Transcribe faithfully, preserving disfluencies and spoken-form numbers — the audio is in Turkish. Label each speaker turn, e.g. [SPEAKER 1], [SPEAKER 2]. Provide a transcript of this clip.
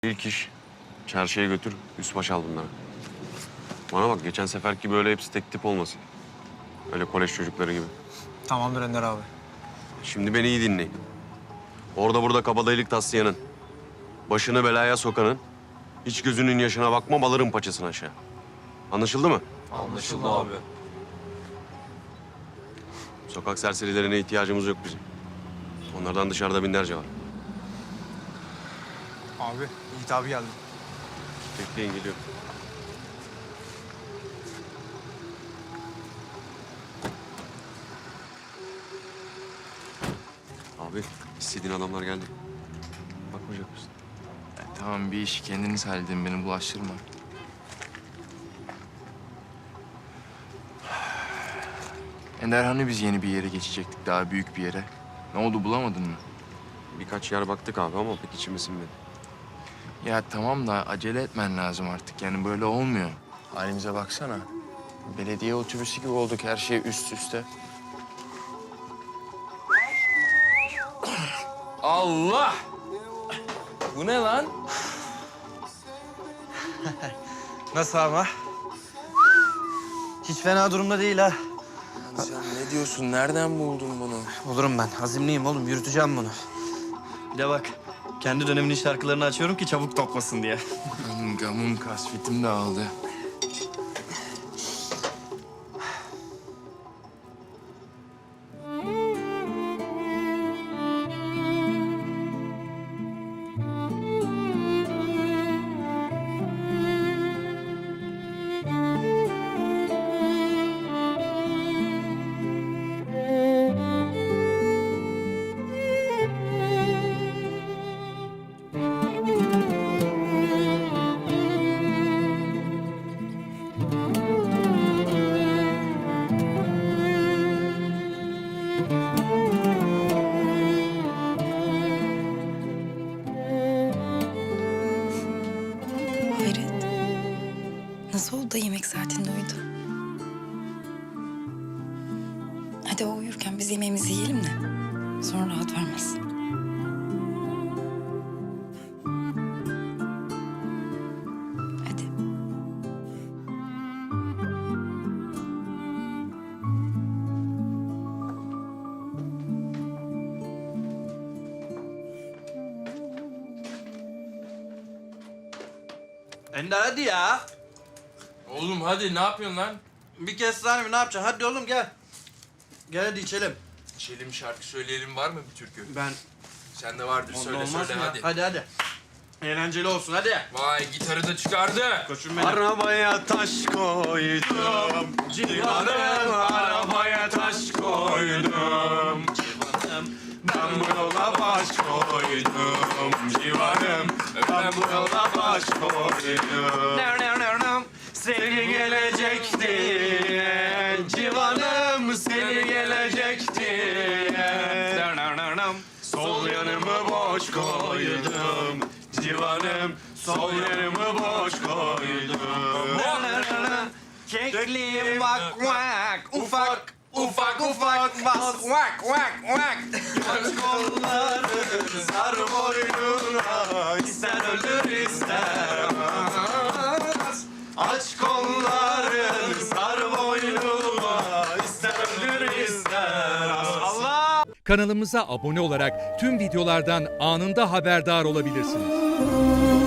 [SPEAKER 1] İlk iş çarşıya götür, üst baş al bunları. Bana bak, geçen seferki böyle hepsi tek tip olmasın. Öyle kolej çocukları gibi.
[SPEAKER 2] Tamamdır Ender abi.
[SPEAKER 1] Şimdi beni iyi dinleyin. Orada burada kabadayılık taslayanın, başını belaya sokanın, hiç gözünün yaşına bakmam, alırım paçasını aşağı. Anlaşıldı mı?
[SPEAKER 3] Anlaşıldı abi.
[SPEAKER 1] Sokak serserilerine ihtiyacımız yok bizim. Onlardan dışarıda binlerce var.
[SPEAKER 2] Abi, Yiğit abi geldi.
[SPEAKER 1] Bekleyin, geliyor. Abi, istediğin adamlar geldi. Bakmayacak mısın?
[SPEAKER 3] Ya, tamam bir işi kendiniz halledin, beni bulaştırma. Ender, hani biz yeni bir yere geçecektik, daha büyük bir yere. Ne oldu, bulamadın mı?
[SPEAKER 1] Birkaç yer baktık abi ama pek içime sinmedi.
[SPEAKER 3] Ya tamam da acele etmen lazım artık. Yani böyle olmuyor. Halimize baksana. Belediye otobüsü gibi olduk, her şey üst üste. Allah! Bu ne lan?
[SPEAKER 4] Nasıl ama? Hiç fena durumda değil ha.
[SPEAKER 3] Lan sen ne diyorsun? Nereden buldun bunu?
[SPEAKER 4] Olurum ben. Azimliyim oğlum. Yürüteceğim bunu. Bir de bak. Kendi döneminin şarkılarını açıyorum ki çabuk toplasın diye.
[SPEAKER 3] Benim gamım, kasvetim dağıldı.
[SPEAKER 5] Hayret. Nasıl oldu da yemek saatinde uyudu? Hadi o uyurken biz yemeğimizi yiyelim de sonra rahat vermez. Hadi.
[SPEAKER 4] Ender hadi ya.
[SPEAKER 3] Oğlum hadi, ne yapıyorsun lan?
[SPEAKER 4] Bir kez daha mi ne yapacaksın? Hadi oğlum gel. Gel hadi içelim.
[SPEAKER 3] İçelim, şarkı söyleyelim, var mı bir türkü?
[SPEAKER 4] Ben...
[SPEAKER 3] Sende vardır,
[SPEAKER 4] Onda
[SPEAKER 3] söyle
[SPEAKER 4] olmaz
[SPEAKER 3] söyle
[SPEAKER 4] mı?
[SPEAKER 3] hadi.
[SPEAKER 4] Hadi hadi. Eğlenceli olsun hadi.
[SPEAKER 3] Vay, gitarı da çıkardı.
[SPEAKER 4] Koşun benim.
[SPEAKER 1] Arabaya taş koydum, civanım arabaya taş koydum. Ben bu yola baş koydum, civanım ben bu yola baş koydum. Seni gelecekti, civanım seni gelecekti. Sol yanımı boş koydum, civanım sol yanımı boş koydum.
[SPEAKER 4] Kekli vak vak ufak ufak ufak bas vak vak vak. Aç kolları sar boynuna ister öldür ister ölmez. Aç kolları sar boynuna ister öldür ister Allah.
[SPEAKER 6] Kanalımıza abone olarak tüm videolardan anında haberdar olabilirsiniz.